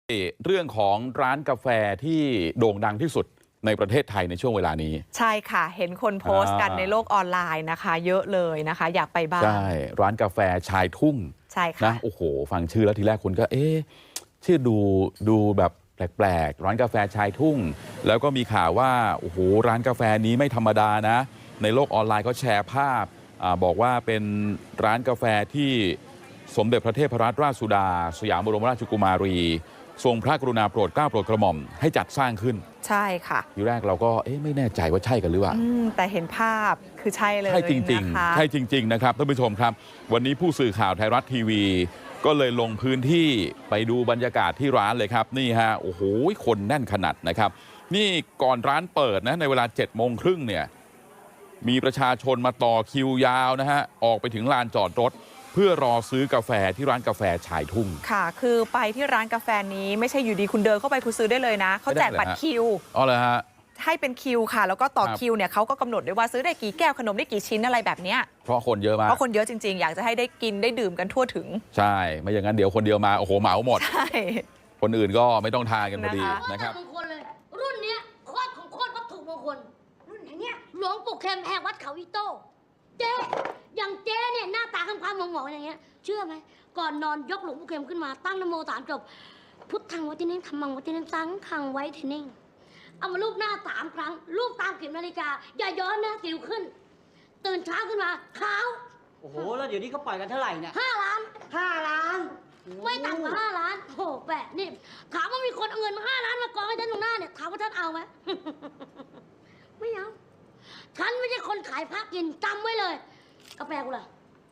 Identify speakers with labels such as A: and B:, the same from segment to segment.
A: เรื่องของร้านกาแฟที่โด่งดังที่สุดในประเทศไทยในช่วงเวลานี้
B: ใช่ค่ะเห็นคนโพสต์กันในโลกออนไลน์นะคะเยอะเลยนะคะอยากไปบ้าง
A: ใช่ร้านกาแฟชายทุ่ง
B: ใช่ค่ะ
A: นะโอ้โหฟังชื่อแล้วทีแรกคุณก็ชื่อดูแบบแปลกๆร้านกาแฟชายทุ่งแล้วก็มีข่าวว่าโอ้โหร้านกาแฟนี้ไม่ธรรมดานะในโลกออนไลน์เขาแชร์ภาพบอกว่าเป็นร้านกาแฟที่สมเด็จพระเทพรัตนราชสุดาสยามบรมราชกุมารีทรงพระกรุณาโปรดเกล้าโปรดกระหม่อมให้จัดสร้างขึ้น
B: ใช่ค่ะ
A: ทีแรกเราก็ไม่แน่ใจว่าใช่กันหรือเปล่า
B: แต่เห็นภาพคือใช่เลย
A: ใช่จริงๆใช่จริงๆนะครับท่านผู้ชมครับวันนี้ผู้สื่อข่าวไทยรัฐทีวีก็เลยลงพื้นที่ไปดูบรรยากาศที่ร้านเลยครับนี่ฮะโอ้โหคนแน่นขนาดนะครับนี่ก่อนร้านเปิดนะในเวลา7:30เนี่ยมีประชาชนมาต่อคิวยาวนะฮะออกไปถึงลานจอดรถเพื่อรอซื้อกาแฟที่ร้านกาแฟชายทุ่ง
B: ค่ะคือไปที่ร้านกาแฟนี้ไม่ใช่อยู่ดีคุณเดินเข้าไปคุณซื้อได้เลยนะเขาแจกบัตรคิว
A: อ๋อเหรอฮะ
B: ให้เป็นคิวค่ะแล้วก็ต่อคิวเนี่ยเขาก็กำหนดด้วยว่าซื้อได้กี่แก้วขนมได้กี่ชิ้นอะไรแบบเนี้ย
A: เพราะคนเยอะมาก
B: เพราะคนเยอะจริงๆอยากจะให้ได้กินได้ดื่มกันทั่วถึง
A: ใช่ไม่อย่างนั้นเดี๋ยวคนเดียวมาโอ้โหเหมาหมด
B: ใช่
A: คนอื่นก็ไม่ต้องทานกันพอดีนะครับ
C: มงคลเลยรุ่นเนี้ยโคตรของโคตรวัตถุมงคลรุ่นไหนเนี่ยหลวงปู่เข็มแห่งวัดเขาอิโต้เจ๊อย่างเจ๊เนี่ยหน้าตาคำๆหมองๆอย่างเงี้ยเชื่อไหมก่อนนอนยกหลวงปู่เข็มขึ้นมาตั้งนโม3 จบพุทธังวัติเน่งธรรมังวัติเน่งสังฆังไว้เทเน่งเอามาลูบหน้า3 ครั้งลูบตามเข็มนาฬิกาอย่าย้อนนะสิวขึ้นตื่นเช้าขึ้นมาขาว
D: โอ้โหแล้วเดี๋ยวนี้เขาปล่อยกันเท่าไหร่เนี่ย
C: 5 ล้าน
D: 5 ล้าน
C: ไม่ต่ำกว่า5 ล้านโอ้แปะนี่ถามว่ามีคนเอาเงินมา5 ล้านมากองให้ท่านตรงหน้าเนี่ยถามว่าท่านเอาไหม ไม่เอาฉันไม่ใช่คนขายพระกินจำไว้เลยกาแฟกูล่ะ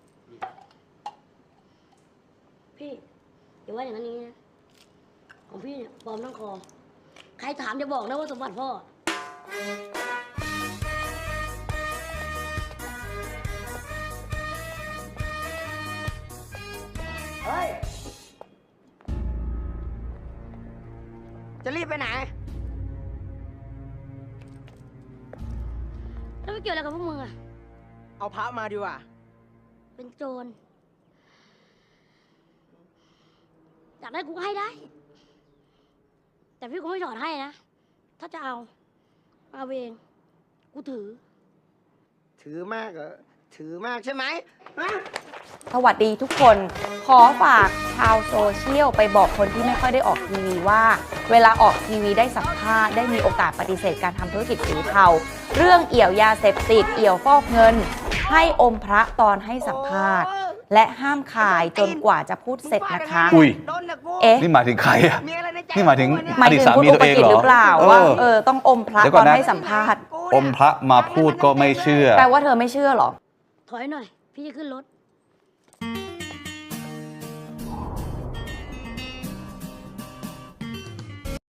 C: พี่อย่าว่าอย่างนั้นนี้นะของพี่เนี่ยปลอมทั้งคอใครถามจะบอกนะว่าสมบัติพ่อ
D: เฮ้ยจะรีบไปไหน
C: แล้วไม่เกี่ยวอะไรกับพวกมึงอะ
D: เอาพระมาดีกว่า
C: เป็นโจรอยากได้กูให้ได้แต่พี่กูไม่ถอดให้นะถ้าจะเอาเองกู
D: ถือมากเหรอถือมากใช่ไหม
E: สวัสดีทุกคนขอฝากชาวโซเชียลไปบอกคนที่ไม่ค่อยได้ออกทีวีว่าเวลาออกทีวีได้สัมภาษณ์ได้มีโอกาสปฏิเสธการทำธุรกิจสีเทาเรื่องเอี่ยวยาเสพติดเอี่ยวฟอกเงินให้อมพระตอนให้สัมภาษณ์และห้ามขายจนกว่าจะพูดเสร็จนะคะ
F: นี่หมายถึงใครอ่ะนี่หมายถึงอดีตสามีตัวเองเหรอ
E: หรือเปล่าว่าต้องอมพระตอนให้สัมภาษณ์
F: อมพระมาพูดก็ไม่เชื่อ
E: แปลว่าเธอไม่เชื่อหรอ
C: ถอยหน่อยพี่จะขึ้นรถ